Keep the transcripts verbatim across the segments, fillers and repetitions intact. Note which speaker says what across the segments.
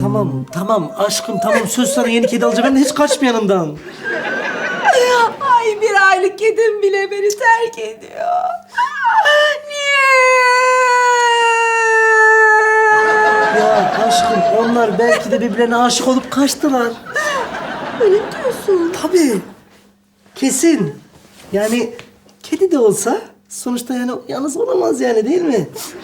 Speaker 1: tamam, tamam aşkım tamam. Söz sana yeni kedi alacağım. Ben de hiç kaçma yanımdan.
Speaker 2: Ay bir aylık kedim bile beni terk ediyor. Niye?
Speaker 1: Ya aşkım onlar belki de birbirlerine aşık olup kaçtılar.
Speaker 2: Öyle mi diyorsun?
Speaker 1: Tabii. Kesin. Yani kedi de olsa sonuçta yani yalnız olamaz yani değil mi?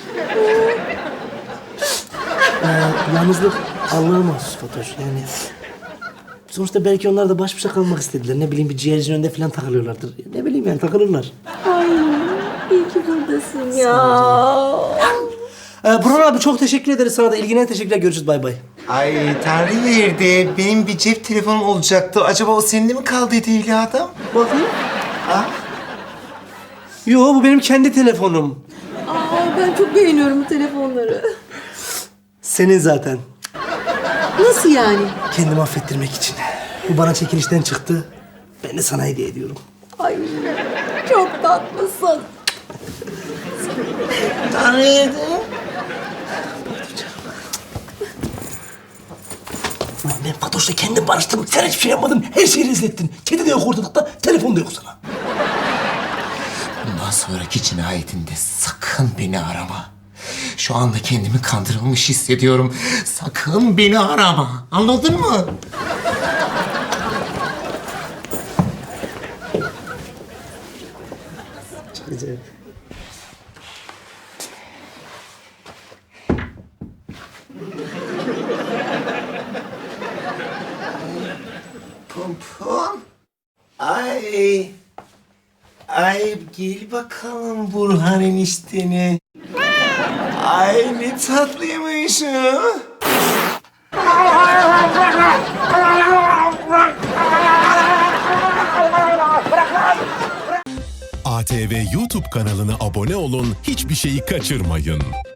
Speaker 1: ee, yalnızlık Allah'a mahsus Fatoş yani. Sonuçta belki onlar da baş başa kalmak istediler. Ne bileyim bir ciğercinin önünde falan takılıyorlardır. Ne bileyim yani takılırlar.
Speaker 2: Ay iyi ki buradasın ya.
Speaker 1: Ee, Burhan abi çok teşekkür ederiz sana da. İlgine teşekkürler. Görüşürüz. Bay bay.
Speaker 3: Ay Tanrı verdi. Benim bir cep telefonum olacaktı. Acaba o senin de mi kaldıydı İlya adam?
Speaker 1: Bakayım.
Speaker 3: Ha?
Speaker 1: Yo bu benim kendi telefonum.
Speaker 2: Aa, ben çok beğeniyorum bu telefonları.
Speaker 1: Senin zaten.
Speaker 2: Nasıl yani?
Speaker 1: Kendimi affettirmek için. Bu bana çekilişten çıktı. Ben de sana hediye ediyorum.
Speaker 2: Ay çok tatlısın.
Speaker 3: Tanrı verdi.
Speaker 1: Lan ben Fatoş'la kendim barıştım. Sen hiçbir şey yapmadın. Her şeyi rezil ettin. Kedi de yok ortalıkta. Telefon da yok sana.
Speaker 3: Bundan sonraki cinayetinde sakın beni arama. Şu anda kendimi kandırılmış hissediyorum. Sakın beni arama. Anladın mı?
Speaker 1: Çok güzel.
Speaker 3: Pompon. Ay. Ay gel bakalım Burhan enişteni. Ay ne tatlıymış o.
Speaker 4: A T V YouTube kanalına abone olun, hiçbir şeyi kaçırmayın.